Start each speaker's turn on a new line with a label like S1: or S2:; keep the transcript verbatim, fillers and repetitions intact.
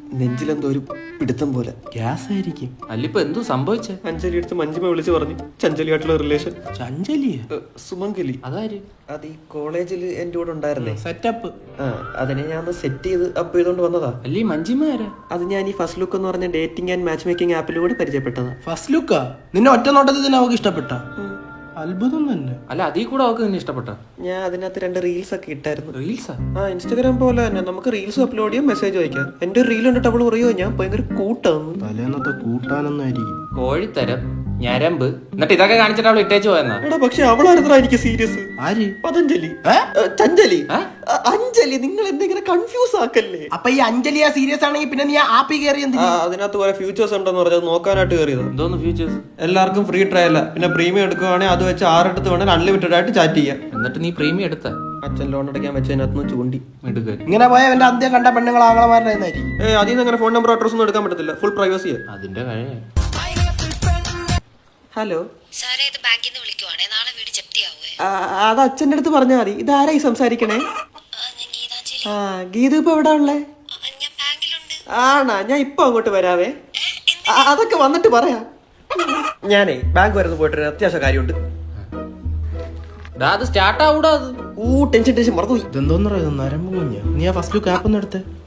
S1: നെഞ്ചിലെന്തോ ഒരു പിടുത്തം പോലെ.
S2: ഗ്യാസ് ആയിരിക്കും.
S3: അല്ലിപ്പോ എന്തോ സംഭവിച്ചേ?
S1: അഞ്ജലി അടുത്ത് മഞ്ജിമ വിളിച്ച് പറഞ്ഞു ചഞ്ചലിയായിട്ടുള്ള റിലേഷൻ.
S2: ചഞ്ചലിയ?
S1: സുമംഗലി.
S3: അതാര്?
S1: അത് ഈ കോളേജിൽ എന്റെ കൂടെ ഉണ്ടായിരുന്നേ.
S2: സെറ്റപ്പ്.
S1: ആ അതിനെ ഞാൻ ഒന്ന് സെറ്റ് ചെയ്ത് അപ്പ് ചെയ്തോണ്ട് വന്നതാ.
S3: അല്ലീ മഞ്ജിമ ആരാ?
S1: അത് ഞാൻ ഈ ഫസ്റ്റ് ലുക്ക് എന്ന് പറഞ്ഞ ഡേറ്റിംഗ് ആൻഡ് മാച്ച് മേക്കിംഗ് ആപ്പിലൂടെ പരിചയപ്പെട്ടതാ.
S2: ഫസ്റ്റ് ലുക്കാ? നിന്നെ ഒറ്റ നോട്ടത്തിൽ തന്നെ അവക്ക് ഇഷ്ടപ്പെട്ട? അത്ഭുതം തന്നെ.
S3: അല്ല അതീ കൂടെ അവക്ക് നിന്നെ ഇഷ്ടപ്പെട്ട?
S1: ഞാൻ അതിനകത്ത് രണ്ട് റീൽസ് ഒക്കെ ഇട്ടായിരുന്നു.
S3: റീൽസാ?
S1: ആ ഇൻസ്റ്റാഗ്രാം പോലെ തന്നെ നമുക്ക് റീൽസ് അപ്ലോഡ് ചെയ്യാം, മെസ്സേജ് അയക്കാം. എന്റെ റീൽ കണ്ടിട്ട് അവള് പറയുമോ ഞാൻ ഭയങ്കര കൂട്ടാന്ന്.
S2: തലേന്നത്തെ കൂട്ടാനൊന്നും ആയിരിക്കും.
S3: കോഴിത്തരം, ഞരമ്പ്, എന്നിട്ട് ഇതൊക്കെ കാണിച്ചിട്ട് അവൾ ഇട്ടേച്ചു പോയെന്നാ?
S1: എടാ പക്ഷെ അവളായിരുന്നാ എനിക്ക് സീരിയസ്.
S2: ആര്?
S1: പതഞ്ജലി. ചഞ്ചലി. അഞ്ജലി. നിങ്ങൾ എന്തെങ്കിലും കൺഫ്യൂസ് ആക്കല്ലേ.
S2: അപ്പൊ ഈ അഞ്ജലിയ സീരിയസ് ആണെങ്കിൽ പിന്നെ നീ ആപ്പി കയറി എന്ത്?
S1: അതിനകത്ത് കുറെ ഫ്യൂച്ചേഴ്സ് ഉണ്ടെന്ന് പറഞ്ഞത് നോക്കാനായിട്ട് കയറിയത്.
S3: എന്തോന്ന് ഫ്യൂച്ചേഴ്സ്?
S1: എല്ലാവർക്കും ഫ്രീ ട്രയൽ, പിന്നെ പ്രീമിയം എടുക്കുവാണെങ്കിൽ അത് വെച്ച് ആറെടുത്ത് വേണമെങ്കിൽ അൺലിമിറ്റഡ് ആയിട്ട് ചാറ്റ് ചെയ്യാം.
S3: എന്നിട്ട് നീ പ്രീമിയം എടുത്ത?
S1: അച്ഛൻ ലോൺ അടയ്ക്കാൻ വെച്ചതിനകത്ത് ചൂണ്ടി
S3: എടുക്കുക.
S2: ഇങ്ങനെ പോയ എന്റെ അന്ത്യം കണ്ട പെണ്ണുങ്ങൾ ആങ്ങളമാരുടെ
S1: ഏ അതിൽ നിന്ന് അങ്ങനെ ഫോൺ നമ്പർ അഡ്രസ് ഒന്നും എടുക്കാൻ പറ്റത്തില്ല, ഫുൾ പ്രൈവസിയാ.
S3: അതിന്റെ കഴിയ.
S1: ഹലോ
S4: സാറേ, ഇത് ബാങ്കിൽ നിന്ന് വിളിക്കുവാണേ. നാളെ വീട് ജപ്തിയാവുമേ.
S1: അത് അച്ഛൻ്റെ അടുത്ത് പറഞ്ഞാൽ മതി. ഇതാരായി സംസാരിക്കണേ?
S4: ഞാൻ ഗീതാഞ്ജലി.
S1: ആ ഗീതു ഇപ്പൊ എവിടെ ഉള്ളേ?
S4: ഞാൻ ബാങ്കിലുണ്ട്.
S1: ആണാ, ഞാൻ ഇപ്പൊ അങ്ങോട്ട് വരാവേ. അതൊക്കെ വന്നിട്ട് പറയാം. ഞാനേ ബാങ്ക് വരുന്ന പോയിട്ട് അത്യാവശ്യ കാര്യമുണ്ട്.
S3: അത് സ്റ്റാർട്ട് ആവൂടാ. അത്
S1: ഊ ടെൻഷൻ ടെൻഷൻ മറന്നുപോയി.
S2: ഇതെന്തോന്ന് പറയുന്നത്? നരമ്പ് കുഞ്ഞ. നീ ആ ഫസ്റ്റ് ലുക്ക് ആപ്പ് ഒന്ന് എടുത്തേ.